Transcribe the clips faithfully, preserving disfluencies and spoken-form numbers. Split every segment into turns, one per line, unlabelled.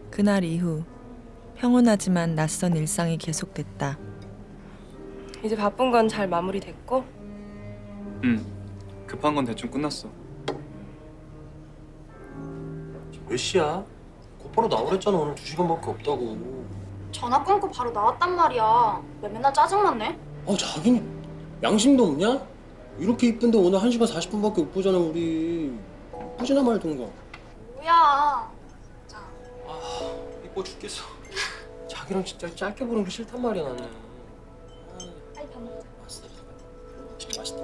그날 이후 평온하지만 낯선 일상이 계속됐다.
이제 바쁜 건 잘 마무리됐고?
응. 급한 건 대충 끝났어.
몇 시야? 곧바로 나오랬잖아. 오늘 두 시간밖에 없다고.
전화 끊고 바로 나왔단 말이야. 왜 맨날 짜증났네?
아, 자기는 양심도 없냐? 이렇게 이쁜데 오늘 한 시간 사십 분밖에 못 보잖아, 우리. 이쁘지나 말던가.
뭐야.
아, 이뻐 죽겠어. 자기랑 진짜 짧게 보는 게 싫단 말이야, 나는.
빨리 밥 먹자.
맛있다. 진짜 맛있다.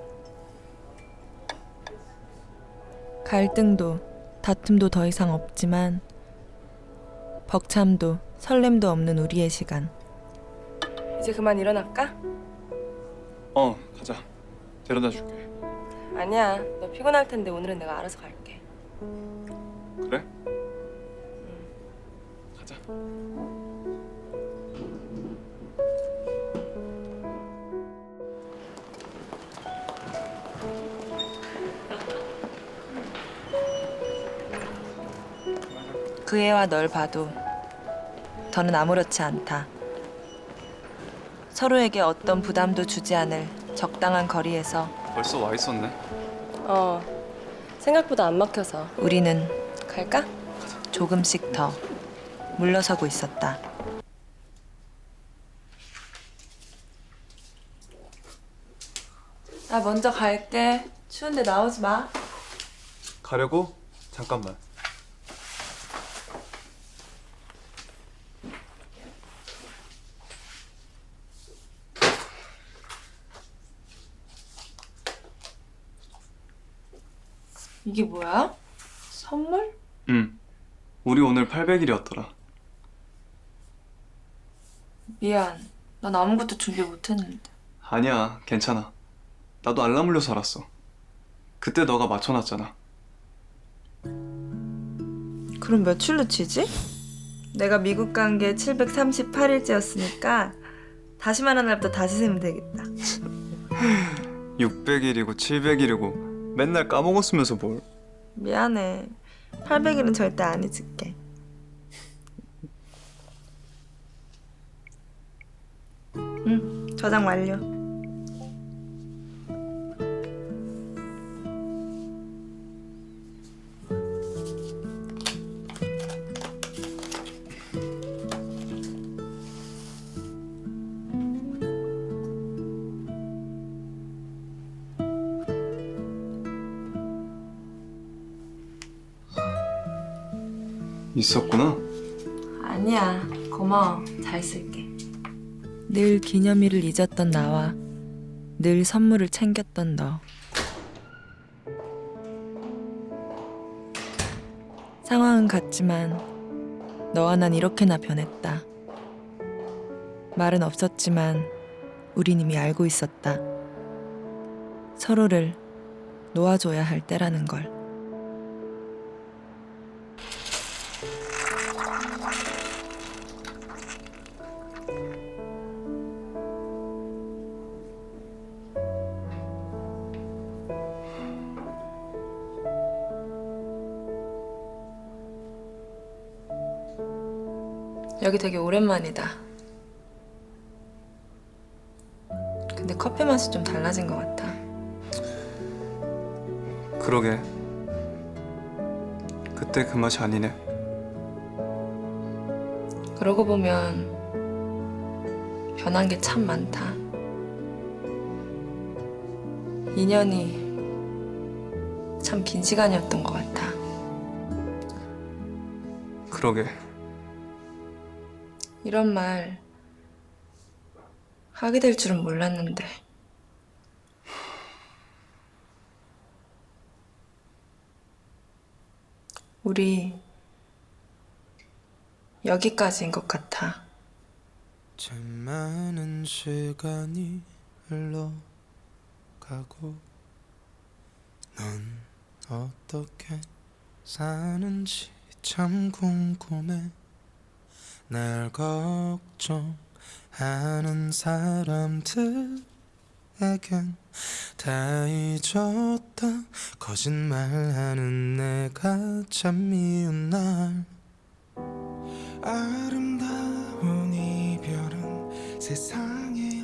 갈등도 다툼도 더 이상 없지만 벅참도 설렘도 없는 우리의 시간.
이제 그만 일어날까?
어, 가자. 데려다 줄게.
아니야. 너 피곤할 텐데 오늘은 내가 알아서 갈게.
그래? 가자.
그 애와 널 봐도 더는 아무렇지 않다. 서로에게 어떤 부담도 주지 않을 적당한 거리에서
벌써 와 있었네.
어. 생각보다 안 막혀서.
우리는
갈까?
조금씩 더 물러서고 있었다. 나 먼저 갈게. 추운데 나오지 마.
가려고? 잠깐만.
이게 뭐야? 선물?
응. 우리 오늘 팔백 일이었더라.
미안. 난 아무것도 준비 못했는데.
아니야, 괜찮아. 나도 알람 울려서 알았어. 그때 너가 맞춰놨잖아.
그럼 며칠로 치지? 내가 미국 간 게 칠백삼십팔 일째였으니까 다시 말한 날부터 다시 세면 되겠다.
육백 일이고 칠백 일이고 맨날 까먹었으면서 뭘.
미안해. 팔백 일은 절대 안 잊을게. 응, 저장 완료.
있었구나.
아니야. 고마워. 잘 쓸게. 늘 기념일을 잊었던 나와 늘 선물을 챙겼던 너. 상황은 같지만 너와 난 이렇게나 변했다. 말은 없었지만 우린 이미 알고 있었다. 서로를 놓아줘야 할 때라는 걸. 여기 되게 오랜만이다. 근데 커피 맛이 좀 달라진 것 같아.
그러게. 그때 그 맛이 아니네.
그러고 보면 변한 게 참 많다. 이 년이 참 긴 시간이었던 것 같아.
그러게.
이런 말 하게 될 줄은 몰랐는데. 우리 여기까지인 것 같아.
참 많은 시간이 흘러가고 넌 어떻게 사는지 참 궁금해. 날 걱정하는 사람들에겐 다 잊었다. 거짓말하는 내가 참 미운 날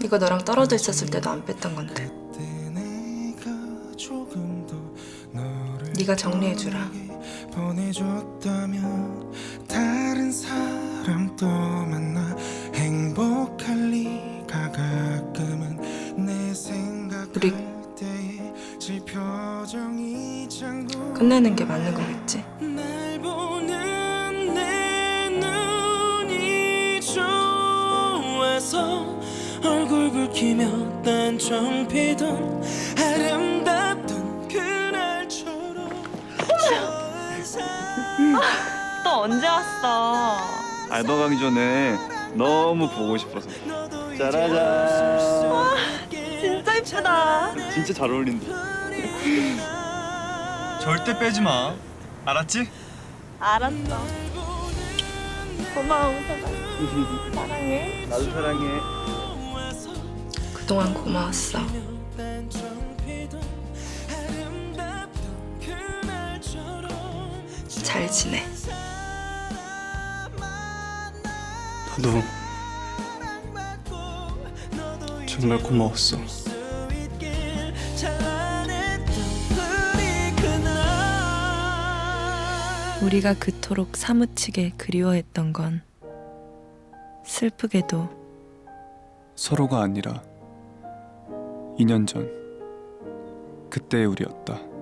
이거 너랑 떨어져 있었을 때도 안 뺐던 건데.
그때 내가 조금 더 너를
네가 정리해주라.
보내줬다면 다른 사람 또 만나 행복할 리가 가끔은 내 생각할
우리
때에 질 표정이 장구
끝내는 게 맞는 거겠지?
날 보는 내 눈이 좋아서 얼굴 붉히며 딴청 피던 아름답던 그날처럼
또 언제 왔어?
알바 가기 전에 너무 보고 싶어서. 짜라잔.
진짜 이쁘다.
진짜 잘 어울린다. 절대 빼지 마. 알았지?
알았어. 고마워, 서가. 사랑해.
나도 사랑해.
그동안 고마웠어. 잘 지내.
나도 정말 고마웠어.
우리가 그토록 사무치게 그리워했던 건 슬프게도
서로가 아니라 이 년 전 그때의 우리였다.